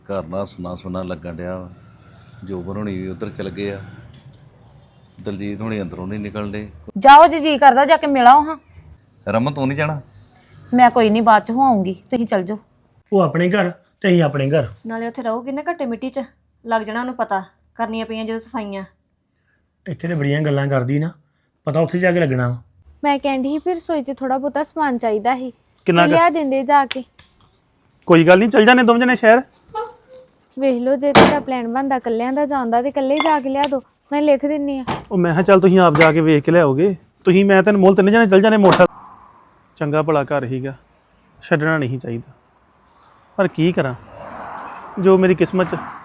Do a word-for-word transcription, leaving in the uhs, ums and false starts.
ਘਰ ਨਾਲ ਸੁਣਾ ਸੁਣਾ ਲੱਗਣ ਡਿਆ ਵਾ। ਜੋਬਨ ਹੋਣੀ ਵੀ ਉੱਧਰ ਚਲ ਗਏ ਆ, ਦਲਜੀਤ ਹੋਣੀ ਅੰਦਰੋਂ ਨਹੀਂ ਨਿਕਲਦੇ। ਜਾਓ ਜੀ, ਜੀ ਕਰਦਾ ਜਾ ਕੇ ਮਿਲ ਆਓ ਹਾਂ। ਰਮਨ ਤੂੰ ਨਹੀਂ ਜਾਣਾ? ਮੈਂ ਕੋਈ ਨਹੀਂ, ਬਾਅਦ ਚ ਹੋ ਆਉਂਗੀ, ਤੁਸੀਂ ਚੱਲ ਜਾਓ। ਉਹ ਆਪਣੇ ਘਰ ਤੇ ਅਸੀਂ ਆਪਣੇ ਘਰ। ਨਾਲੇ ਉੱਥੇ ਰਹੋਗੇ ਨਾ ਘੱਟੇ ਮਿੱਟੀ 'ਚ, ਲੱਗ ਜਾਣਾ ਉਹਨੂੰ ਪਤਾ ਕਰਨੀਆਂ ਪਈਆਂ ਜਦੋਂ ਸਫਾਈਆਂ। ਇੱਥੇ ਤੇ ਬੜੀਆਂ ਗੱਲਾਂ ਕਰਦੀ ਨਾ, ਪਤਾ ਉੱਥੇ ਜਾ ਕੇ ਲੱਗਣਾ ਵਾ। ਮੈਂ ਕਹਿੰਦੀ ਸੀ ਫਿਰ ਰਸੋਈ 'ਚ ਥੋੜਾ ਬਹੁਤਾ ਸਮਾਨ ਚਾਹੀਦਾ ਸੀ, ਕਿੰਨਾ ਤੇ ਲਿਆ ਦਿੰਦੇ ਜਾ ਕੇ। ਕੋਈ ਗੱਲ ਨਹੀਂ, ਚੱਲ ਜਾਣੇ ਦੋਵੇਂ ਜਣੇ ਸ਼ਹਿਰ। ਵੇਖ ਲਓ ਜੇ ਤੁਹਾਡਾ ਪਲਾਨ ਬਣਦਾ ਕੱਲਿਆਂ ਦਾ ਜਾਂਦਾ ਤੇ ਇਕੱਲੇ ਜਾ ਕੇ ਲਿਆ ਦੋ, ਮੈਂ ਲਿਖ ਦਿੰਨੀ ਆ। ਉਹ ਮੈਂ ਕਿਹਾ ਚੱਲ ਤੁਸੀਂ ਆਪ ਜਾ ਕੇ ਵੇਖ ਕੇ ਲਿਆਓਗੇ। ਤੁਸੀਂ ਮੈਂ ਤੈਨੂੰ ਮੁੱਲ ਤਿੰਨ ਜਣੇ ਚੱਲ ਜਾਣੇ। ਮੋਟਰ ਚੰਗਾ ਭਲਾ ਘਰ ਹੀਗਾ, ਛੱਡਣਾ ਨਹੀਂ ਚਾਹੀਦਾ, ਪਰ ਕੀ ਕਰਾਂ ਜੋ ਮੇਰੀ ਕਿਸਮਤ 'ਚ